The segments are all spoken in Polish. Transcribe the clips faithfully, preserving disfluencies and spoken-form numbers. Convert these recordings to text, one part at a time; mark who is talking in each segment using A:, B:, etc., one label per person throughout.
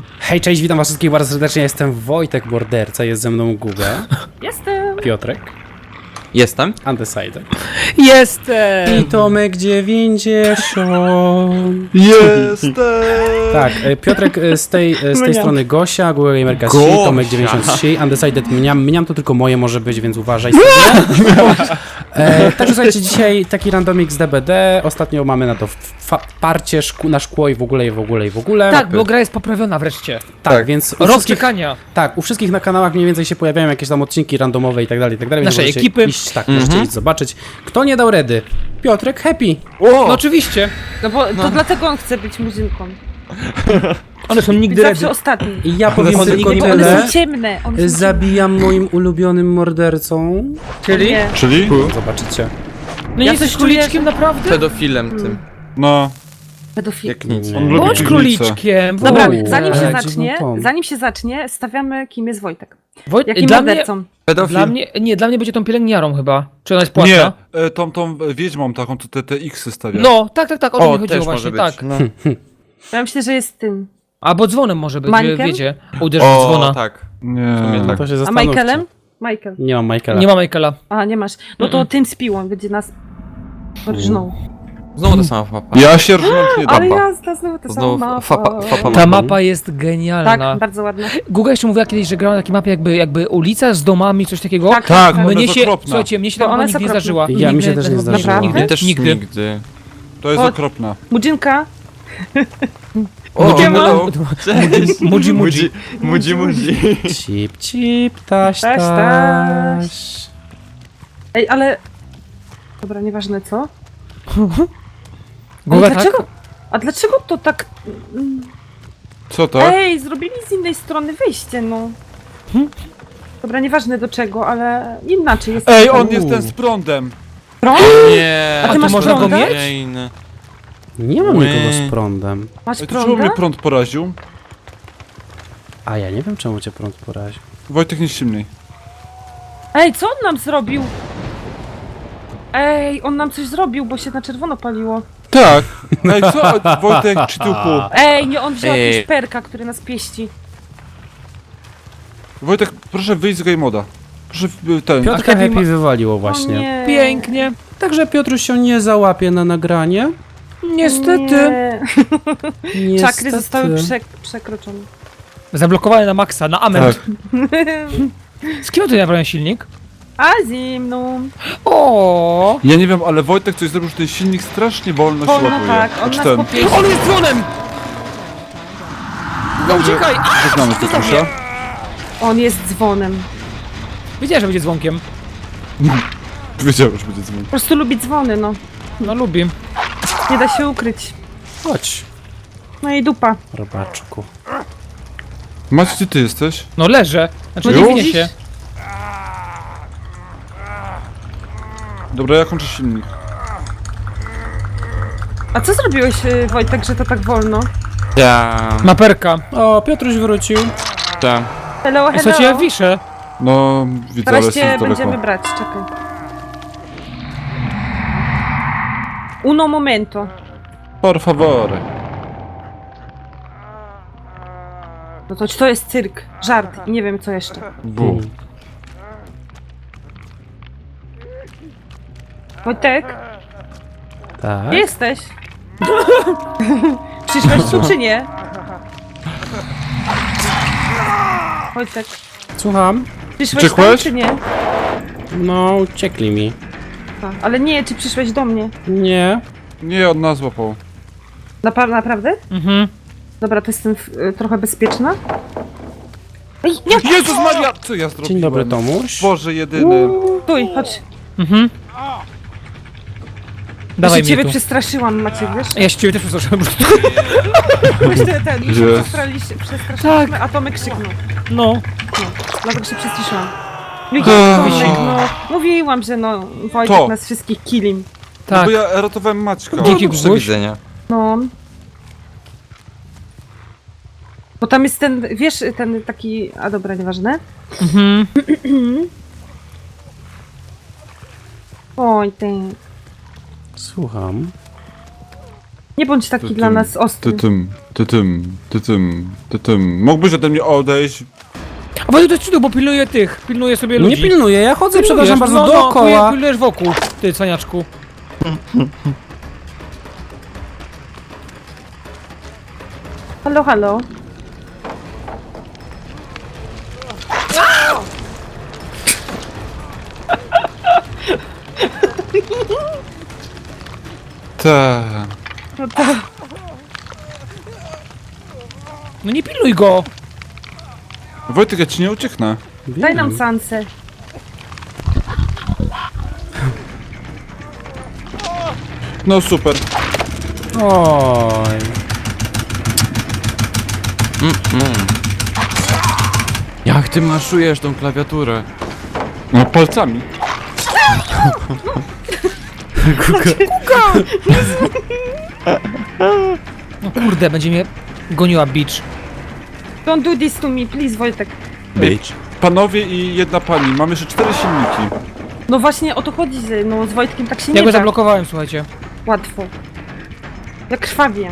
A: Hej, cześć, witam was wszystkich bardzo serdecznie, jestem Wojtek Morderca, jest ze mną Guga,
B: Jestem!
A: Piotrek,
C: Jestem.
A: Undecided
B: Jestem!
A: i Tomek dziewięćdziesiąt.
C: Jestem.
A: Tak, e, Piotrek e, z tej, e, z tej strony Gosia, Guga Gamerka trzy,
C: Gosia.
A: Tomek dziewięćdziesiąt trzy, Undecided mniam, mniam to tylko moje może być, więc uważaj sobie. E, także słuchajcie, dzisiaj taki randomik z D B D, ostatnio mamy na to fa- parcie szku- na szkło i w ogóle, i w ogóle, i w ogóle.
B: Tak, bo gra jest poprawiona wreszcie.
A: Tak,
C: tak.
A: więc u
B: Rok
A: wszystkich,
B: czekania.
A: tak, u wszystkich na kanałach mniej więcej się pojawiają jakieś tam odcinki randomowe i tak dalej, i tak dalej. więc
B: Naszej
A: możecie
B: ekipy.
A: Iść, tak, możecie iść zobaczyć. Kto nie dał redy? Piotrek Happy.
B: No oczywiście.
D: No bo to dlatego on chce być murzynką.
B: One są
D: Być
B: nigdy
D: zawsze
B: ready.
D: ostatni.
A: I ja powiem
B: One
A: tylko
B: nigdy-
D: One
A: tyle.
D: są ciemne. One są
A: Zabijam moim ulubionym mordercą.
B: Czyli?
D: Nie.
E: Czyli?
A: Zobaczycie.
B: No nie
D: Ja
B: jesteś
D: coś czuję,
B: króliczkiem naprawdę?
C: Pedofilem tym.
E: No,
D: Pedofil.
C: Jak nic.
A: Nie.
E: on lubi
B: Bądź
E: piwnicę.
B: króliczkiem.
D: Dobra,
A: Uuu,
D: zanim się
A: ale
D: zacznie,
A: dziwny ton.
D: zanim się zacznie, stawiamy kim jest Wojtek.
B: Wojt...
D: Jakim
B: Dla mnie,
D: mordercą.
C: Pedofil.
B: dla mnie, nie, dla mnie będzie tą pielęgniarą chyba. Czy ona jest płatna?
E: Nie, e, tą, tą wiedźmą taką, co te, te X-y stawia.
B: No, tak, tak, tak, o to
C: O,
B: mi chodziło
C: też
B: właśnie,
C: może być.
B: tak.
C: No.
D: Ja myślę, że jest tym.
B: Albo dzwonem może być,
D: Mańkiem?
B: wiecie, uderzyć w
C: O,
B: dzwona.
C: tak.
E: Nie,
C: sumie tak.
A: To się
D: A
A: zastanówcie.
D: Michaelem? Michael.
A: Nie mam Michaela.
B: Nie ma Michaela.
D: A, nie masz. No to tym z piłą będzie nas rżnął.
C: Znowu ta sama mapa.
E: Ja się rżnąć nie
D: Ale
E: dam.
D: jazda, znowu ta
C: Znowu
D: sama
C: fapa,
D: mapa.
C: fapa
B: Ta
C: mapa.
B: mapa jest genialna.
D: Tak, bardzo ładna.
B: Guga jeszcze mówiła kiedyś, że grała na takiej mapie jakby, jakby ulica z domami, coś takiego.
D: Tak,
E: Tak, ona
B: Mnie
E: jest
B: się,
E: okropna.
B: słuchajcie, mnie się
D: To
B: ta mapa
D: ona jest
B: nigdy nie
D: okropna.
B: zdarzyła.
A: Ja, mi
B: Nigdy,
A: się też nie
B: naprawdę,
A: zdarzyła.
B: Nigdy,
C: Mnie też
B: nigdy.
C: nigdy.
E: To jest
D: O.
E: okropna.
D: Murzynka.
C: O,
D: Siema.
C: hello. Cześć.
B: Mudzi, mudzi.
C: Mudzi, mudzi.
A: Cip, cip, taś,
D: Taś,
A: taś.
D: Ej, ale... Dobra, nieważne co. Ale
B: Guga, tak?
D: dlaczego? A dlaczego to tak...
E: Co to?
D: Ej, zrobili z innej strony wyjście, no. Dobra, nieważne do czego, ale inaczej jest.
E: Ej, on
A: Uuu.
E: jest ten z prądem.
D: Prąd?
C: Nie.
D: A ty
B: tu
D: masz
B: można go
D: prąda?
B: mieć?
C: Jane.
A: Nie mam
C: Ły.
A: nikogo z prądem.
D: Masz
E: Ej, to czemu
D: prąda?
E: mnie prąd poraził?
A: A ja nie wiem, czemu cię prąd poraził.
E: Wojtek nie silniej.
D: Ej, co on nam zrobił? Ej, on nam coś zrobił, bo się na czerwono paliło.
E: Tak. Ej, co? Wojtek, czy tupu?
D: Ej, nie, on wziął
C: Ej.
D: jakiegoś perka, który nas pieści.
E: Wojtek, proszę wyjść z game moda. Proszę w- ten.
A: Piotrka
B: A Happy
A: Happy
B: ma-
A: wywaliło
D: O
A: właśnie.
D: nie.
B: Pięknie.
A: Także Piotruś się nie załapie na nagranie.
B: Niestety.
D: Nie.
A: Niestety.
D: Czakry zostały przek przekroczone.
B: Zablokowane na maksa, na amen.
E: Tak.
B: Z kim tu naprawiam silnik?
D: A zimną.
B: O.
E: Ja nie wiem, ale Wojtek coś zrobił, że ten silnik strasznie wolno się
D: Wolno
E: łapuje.
D: tak, on
E: Znaczy
D: nas
E: ten.
D: popieści.
B: On jest dzwonem! No uciekaj! A!
E: Znamy Piotrusia.
D: On jest dzwonem.
B: Wiedziałem, że będzie dzwonkiem.
E: Wiedziałem, że będzie dzwonił.
D: Po prostu lubi dzwony, no.
B: No lubi.
D: Nie da się ukryć.
A: Chodź,
D: No i dupa.
A: robaczku.
E: Macie, gdzie ty jesteś?
B: No leżę. Znaczy
D: No
B: nie
D: już?
B: winie się.
E: Dobra, ja kończę silnik.
D: A co zrobiłeś, y, Wojtek, że to tak wolno?
C: Ja.
B: Maperka.
A: O, Piotruś wrócił.
C: Ta.
D: Hello, hello.
B: Słuchajcie, ja wiszę.
E: No, widzę, ale
D: Teraz cię
E: jestem
D: będziemy
E: daleko.
D: brać, czekaj. Uno momento.
E: Por favore.
D: No to to jest cyrk, żart i nie wiem co jeszcze.
E: Bu.
D: Wojtek,
A: Tak.
D: gdzie jesteś? Przyszłeś tu czy nie? Wojtek,
A: Słucham.
D: przyszłeś tam
E: Uciekłeś?
D: czy nie?
A: No, uciekli mi.
D: A, ale nie, czy przyszłeś do mnie?
A: Nie.
E: Nie, on nas złapał.
D: Napa naprawdę?
B: Mhm.
D: Dobra, to jestem w, y, trochę bezpieczna. Ej, nie!
E: Jezus Maria! Co ja zrobiłem?
A: Dzień dobry, Tomuś.
E: Boże jedyny.
D: Stój, chodź.
B: Mhm.
D: Ja
B: Dawaj
D: się
B: mnie
D: ciebie
B: tu.
D: przestraszyłam, Maciek, wiesz?
B: Ja się ciebie też przestraszyłem.
D: Myśmy ten, my się
E: Jest.
D: przestraszyliśmy, przestraszyliśmy, a Tomek krzyknął.
B: No.
D: No, dlatego się przestraszyłam. No,
E: Ech.
D: Tomek, no, mówiłam, że no, Wojtek
E: To.
D: nas wszystkich killim.
E: No
B: Tak.
E: bo ja ratowałem Maćka.
B: Dzięki,
C: Do
B: Guguś.
C: widzenia.
D: No. Bo tam jest ten, wiesz, ten taki, a dobra, nieważne.
B: Mhm.
D: Oj, ty.
A: Słucham.
D: Nie bądź taki
E: Ty
D: dla
E: tym,
D: nas ostry.
E: Ty tym, ty Ty tym, ty tym, ty tym. Mógłbyś ode mnie odejść?
B: A bo to jest cudu, bo pilnuję tych, pilnuję sobie
A: Nie
B: ludzi.
A: pilnuję, ja chodzę,
B: Pilnujesz,
A: przepraszam bardzo,
B: no, no,
A: dookoła.
B: Pilnujesz wokół, ty cwaniaczku.
D: Halo, halo.
E: Ta.
D: No to...
B: No nie pilnuj go.
E: Wojtek, ja ci nie ucieknę.
D: Daj nam sansę.
E: No super.
A: Oj.
C: Jak ty maszujesz tą klawiaturę?
E: No palcami.
B: No kurde, będzie mnie goniła beach.
D: Don't do this to me, please, Wojtek.
C: Bitch.
E: Panowie i jedna pani, mam jeszcze cztery silniki.
D: No właśnie o to chodzi, że no z Wojtkiem tak się
B: Ja
D: nie
B: go
D: da
B: zablokowałem, słuchajcie.
D: łatwo. Ja krwawię.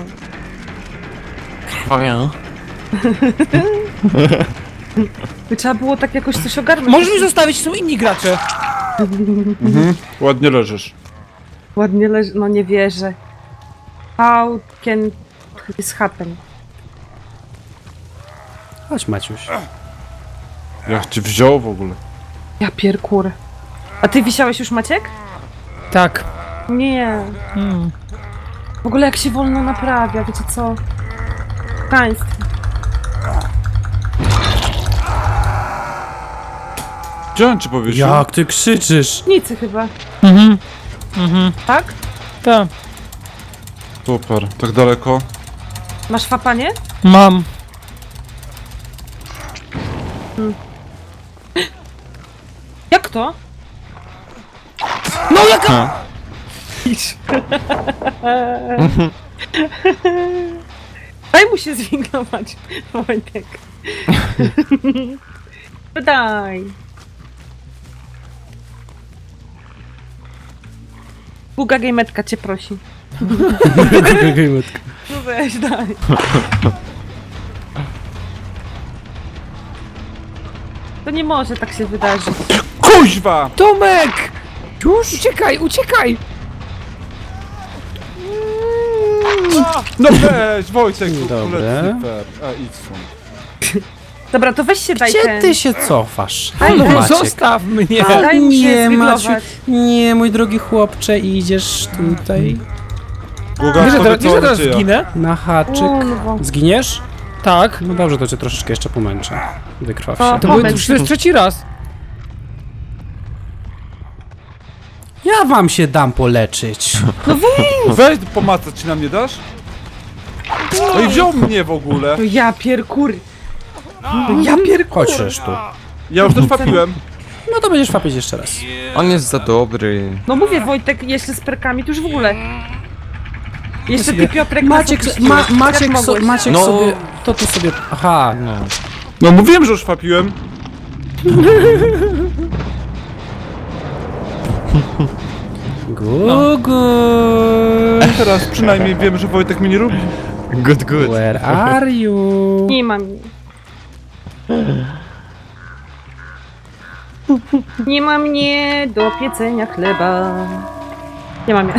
D: By trzeba było tak jakoś coś ogarnąć.
B: Możesz mi zostawić, są inni gracze.
E: Mhm. Ładnie leżysz.
D: Ładnie leży, no nie wierzę. How can this happen?
A: Chodź, Maciuś.
E: Jak cię wziął w ogóle?
D: Ja pierkur. A ty wisiałeś już, Maciek?
B: Tak.
D: Nie.
B: Hmm.
D: W ogóle jak się wolno naprawia, wiecie co? Państwo.
E: Gdzie on ci powiedział?
A: Jak ty krzyczysz?
D: Nicy chyba,
B: Mhm. Mhm.
D: tak?
B: Tak.
E: Super, tak daleko.
D: Masz fapanie?
B: Mam.
D: Jak to?
B: No jaka...
D: Daj mu się zwinglować, Wojtek. Daj. Buga Gametka cię prosi. No weź, daj. To nie może tak się wydarzyć.
E: Kuźwa!
B: Tomek! Już? Uciekaj, uciekaj!
E: No weź, Wojtek,
A: Dobre.
E: super. A idź stąd.
D: Dobra, to weź się daj
A: Gdzie
D: ten.
A: ty się cofasz?
D: Daj,
A: Halo,
D: daj,
A: Maciek.
B: Zostaw mnie!
D: A, daj mu się
A: Nie,
D: zwiglować.
A: Maciu, nie, mój drogi chłopcze, idziesz tutaj
E: Guga,
B: Wiesz, że
E: powiedz,
B: teraz,
E: co
B: wiesz, że
E: on
B: teraz
E: dzieje.
B: zginę?
A: na haczyk.
D: Kurwa.
A: Zginiesz?
B: Tak.
A: No dobrze, to cię troszeczkę jeszcze pomęczę. Wykrwaw
D: O,
A: się.
B: To, był,
D: Moment.
B: to jest trzeci raz.
A: Ja wam się dam poleczyć.
E: Weź pomacać, ci nam nie dasz? No i wziął mnie w ogóle.
D: To ja pierkur. To ja pierkur.
A: Chodź tu.
E: Ja już też papiłem.
A: No to będziesz fapić jeszcze raz.
C: On jest za dobry.
D: No mówię, Wojtek, jeszcze z perkami, to już w ogóle. Jeszcze ty, Piotrek,
A: Maciek,
D: nas
A: ma,
D: opuściłeś.
A: Maciek,
D: Jak
A: so,
D: mogłeś?
A: Maciek
C: No.
A: sobie... To tu sobie... Aha.
C: No.
E: No mówiłem, że już papiłem.
A: Gugu.
E: Teraz przynajmniej wiem, że Wojtek mnie nie lubi.
C: Good, good.
A: Where are you?
D: Nie mam. Nie ma mnie do piecenia chleba. Nie mam.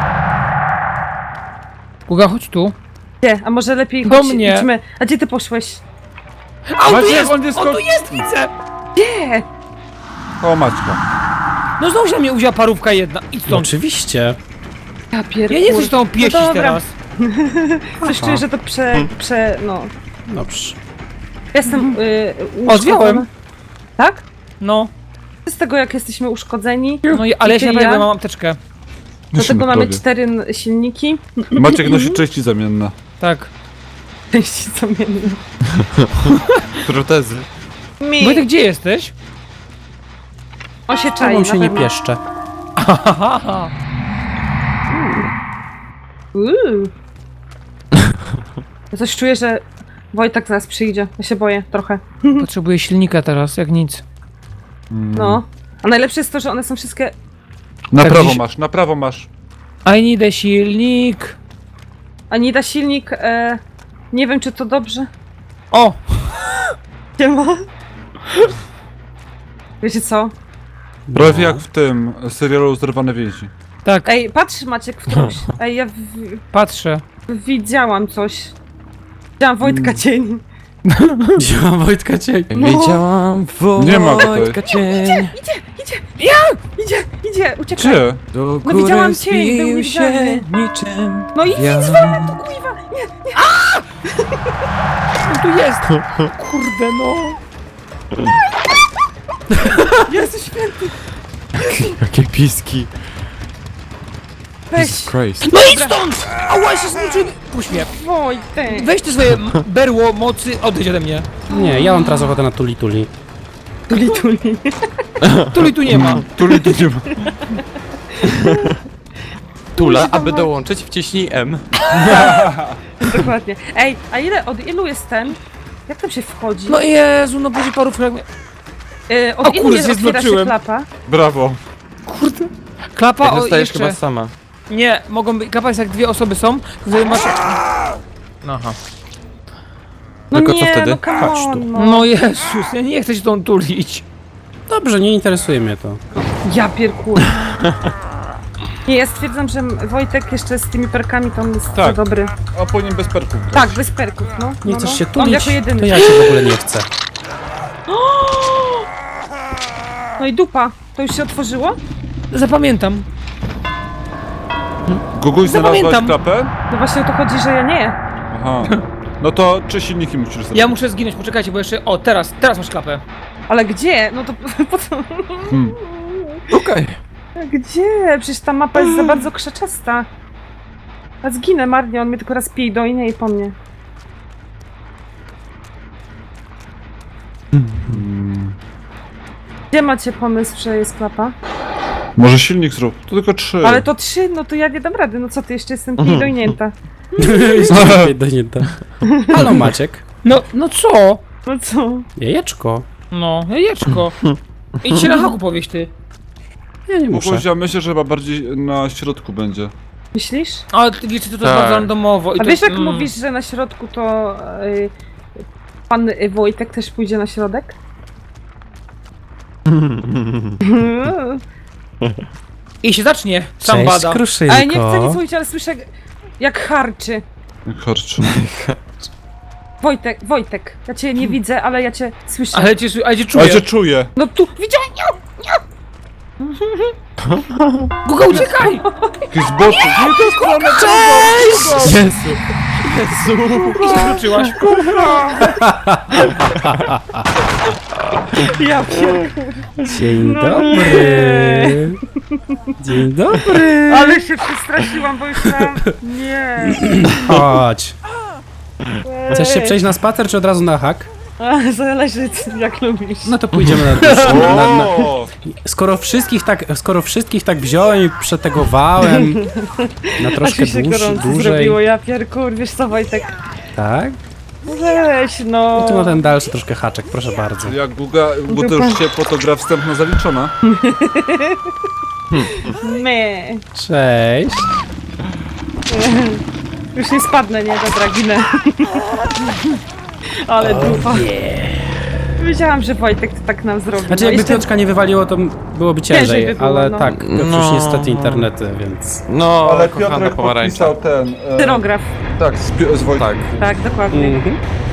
B: Guga, chodź tu.
D: Gdzie? A może lepiej
B: Do
D: chodź,
B: mnie.
D: idźmy. A gdzie ty poszłeś?
B: A on tu
E: Maciek,
B: jest!
E: on jest
B: On
E: ko-
B: tu jest, widzę!
D: Nie!
E: O, Maćka.
B: No znowu się na mnie uwzięła parówka jedna. Idź
A: No,
B: stąd.
A: oczywiście.
D: Ja pierkur.
B: Ja nie chcę się tą pieścić
D: No dobra.
B: teraz.
D: Coś czuję, że to prze... prze... no.
A: Dobrze.
D: Jestem y,
B: O, zwiałem.
D: uszkodzona. Tak?
B: No.
D: Z tego jak jesteśmy uszkodzeni,
B: No i, ale ja się
D: ty i
B: naprawdę
D: ja?
B: mam apteczkę.
D: do tego mamy
E: prawie.
D: cztery n- silniki.
E: Maciek nosi części zamienne.
B: Tak.
D: Części zamienne.
C: Protezy.
D: Mi!
B: Wojtek, gdzie jesteś?
D: On się
A: Czemu
D: czai,
A: się
D: na
A: nie
D: pewno.
A: pieszczę?
B: Haha.
D: Uuu. Ja coś czuję, że Wojtek zaraz przyjdzie. Ja się boję trochę.
B: Potrzebuję silnika teraz, jak nic.
D: No. A najlepsze jest to, że one są wszystkie...
E: Na
B: Tak,
E: prawo
B: dziś-
E: masz, na prawo masz.
B: I need a silnik.
D: A nie da silnik... E... Nie wiem, czy to dobrze.
B: O!
D: Nie ma. Wiecie co?
E: Prawie jak w tym serialu Zerwane więzi.
B: Tak,
D: Ej, patrz Maciek w coś. Ej, ja w,
B: patrzę.
D: widziałam coś. Widziałam Wojtka cień.
A: Wziąłem Wojtka cień.
D: No.
C: Wiedziałam
E: Nie ma go tutaj.
C: Wojtka cień.
D: Idzie, idzie, uciekaj.
E: Gdzie?
C: Do
D: No widziałam
C: góry
D: cień, był
C: zbił się
D: niewidzialny.
C: niczym.
D: No i
C: Ja.
D: idź we tu, kuźwa. Nie,
B: On tu jest! Kurde no!
D: Jezu święty.
C: Jakie piski.
D: Weź,
C: Jesus Christ.
B: No idź stąd! Ała, się zniszczył! Puść mnie.
D: Wojtek.
B: Weź te swoje m- berło mocy, odejdź ode mnie.
A: Nie, ja mam teraz ochotę na tuli tuli.
D: Tuli, tuli.
B: Tuli tu nie ma.
C: Tuli tu nie ma. Tula, aby dołączyć wciśnij M.
D: Dokładnie. Ej, a ile, od ilu jest ten? Jak tam się wchodzi?
B: No Jezu, no będzie paru fragment.
D: Yy, od
B: o
D: ilu
B: kurde,
D: jest
B: się
D: otwiera się
B: zmoczyłem.
D: klapa?
E: Brawo.
B: Klapa,
C: Jak
B: o
C: zostajesz
B: jeszcze.
C: chyba sama.
B: Nie, mogą być, klapa jest jak dwie osoby są, to masz... Aha.
D: No
C: Tylko co
D: nie,
C: wtedy?
D: no come
A: Chodź tu.
D: on, no.
B: No Jezus, ja nie chcę się tą tulić.
A: Dobrze, nie interesuje mnie to.
D: Ja pierkuję. Nie, ja stwierdzam, że Wojtek jeszcze z tymi perkami to on jest
E: Tak.
D: za dobry.
E: A po nim bez perków. grać.
D: Tak, bez perków, no.
A: Nie
D: no,
A: chcesz
D: no.
A: się
D: On
A: tulić,
D: jako jedyny.
A: to ja się w ogóle nie chcę.
D: No i dupa. To już się otworzyło?
B: Zapamiętam.
E: Guguś, znalazłaś
B: Zapamiętam.
E: klapę?
D: No właśnie o to chodzi, że ja nie.
E: Aha. No to czy silniki musisz zrobić?
B: Ja muszę zginąć, poczekajcie, bo jeszcze... O, teraz, teraz masz klapę.
D: Ale gdzie? No to po co?
E: Hmm.
C: Okej.
D: Gdzie? Przecież ta mapa jest za bardzo krzaczasta. A zginę marnie, on mnie tylko raz pije do innej i po mnie. Gdzie macie pomysł, że jest klapa?
E: Może silnik zrób. To tylko trzy.
D: Ale to trzy, no to ja nie dam rady. No co ty, jeszcze jestem pije dojnięta.
A: Jeszcze lepiej do nie da. Halo Maciek.
B: No, no co?
D: No co?
A: Jajeczko.
B: No, jajeczko. Idź się na haku powieś ty.
A: Ja nie muszę.
E: Guguś, ja myślę, że chyba bardziej na środku będzie.
D: Myślisz?
B: Ale ty wiecie, to, to
C: Tak.
B: jest bardzo randomowo. I
D: A
B: to
D: wiesz
B: jest,
D: jak
B: mm.
D: mówisz, że na środku to y, pan y, Wojtek też pójdzie na środek?
B: I się zacznie, sam
A: Cześć,
B: bada.
A: Kruszynko.
D: Ale nie chcę nic mówić, ale słyszę jak harczy.
E: Harczy.
D: Wojtek, Wojtek, ja cię nie widzę, ale ja cię słyszę.
B: Ale cię, ale cię czuję.
E: Ale cię czuję.
D: No tu, widziałem!
B: Guga, uciekaj!
E: Jakiś z boku. Nie, to jest stronę
B: Cześć!
A: Jezu.
B: I się wróciłaś.
D: Ja pier...
A: Dzień
D: No
A: dobry. Dzień dobry.
D: Ale się przestraszyłam, bo już tam... Nie.
A: Chodź. Chcesz się przejść na spacer, czy od razu na hak?
D: A, zależy jak lubisz.
A: No to pójdziemy na, na, na, na...
E: O!
A: Skoro wszystkich tak, skoro wszystkich tak wziąłem i przetegowałem na troszkę
D: Aż mi się
A: dłuż,
D: gorąco
A: dłużej.
D: zrobiło, ja pierkur, wiesz co Wojtek?
A: Tak?
D: Weź no.
A: Tu na ten dalszy troszkę haczek, proszę bardzo.
E: Jak Guga, bo to już ciepło, to gra wstępna zaliczona.
D: Nie.
A: Cześć.
D: Już nie spadnę, nie? Dobra, ginę. Ale dupa. Wiedziałam, że Wojtek to tak nam zrobił.
A: Znaczy
D: No
A: jakby
D: jeszcze-
A: Piotrka nie wywaliło, to byłoby ciężej,
D: Ciężej by było,
A: ale
D: no.
A: tak, to już
C: No.
A: niestety internety, więc...
C: No,
E: Ale
C: kochana
E: Piotrek
C: pomarańcza.
E: podpisał ten... E,
D: Tyrograf.
E: tak, z, Pio- z Wojtkiem.
C: Tak.
D: Tak, dokładnie.
A: Mhm.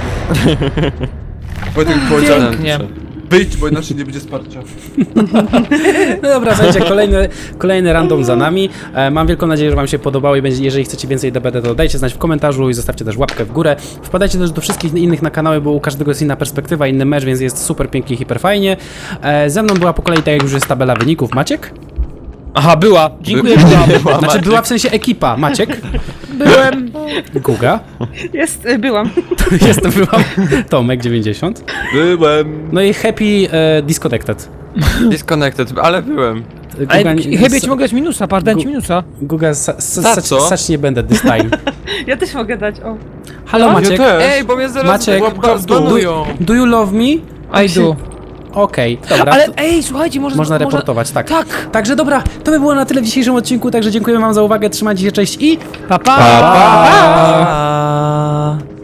E: Wojtek powiedział,
B: Pięknie.
E: wyjdź, bo inaczej nie będzie wsparcia.
A: No dobra, słuchajcie, kolejny, kolejny random za nami. E, mam wielką nadzieję, że wam się podobało i będzie, jeżeli chcecie więcej D B D, to dajcie znać w komentarzu i zostawcie też łapkę w górę. Wpadajcie też do wszystkich innych na kanały, bo u każdego jest inna perspektywa, inny mecz, więc jest super pięknie, hiper fajnie. E, ze mną była po kolei, tak jak już jest tabela wyników, Maciek.
B: Aha, była. Dziękuję, że byłam.
C: Była
A: Znaczy
C: Maciek.
A: była w sensie ekipa, Maciek,
B: Byłem.
A: Guga,
D: Jest, y, byłam.
A: jestem, byłam, Tomek dziewięćdziesiąt,
E: Byłem.
A: no i Happy e, Disconnected.
C: Disconnected, ale byłem.
B: Ale
A: Guga,
B: chyba ci mogę dać minusa, par, dałem ci minusa.
A: Guga, sa, sa,
C: Za
A: sać,
C: co?
A: sać nie będę this time.
D: Ja też mogę dać, o.
A: Halo
E: Ja
A: Maciek,
E: też.
C: Ej, bo mnie zaraz
A: Maciek,
C: łapka
E: do-
C: zbanują.
A: do you love me?
B: I do.
A: Okej, dobra.
B: Ale
A: to-
B: ej, słuchajcie, może...
A: Można
B: może-
A: reportować, tak.
B: Tak.
A: Także dobra, to by było na tyle w dzisiejszym odcinku, także dziękujemy wam za uwagę, trzymajcie się, cześć i...
B: Pa, pa.
A: Pa, pa.
C: Pa.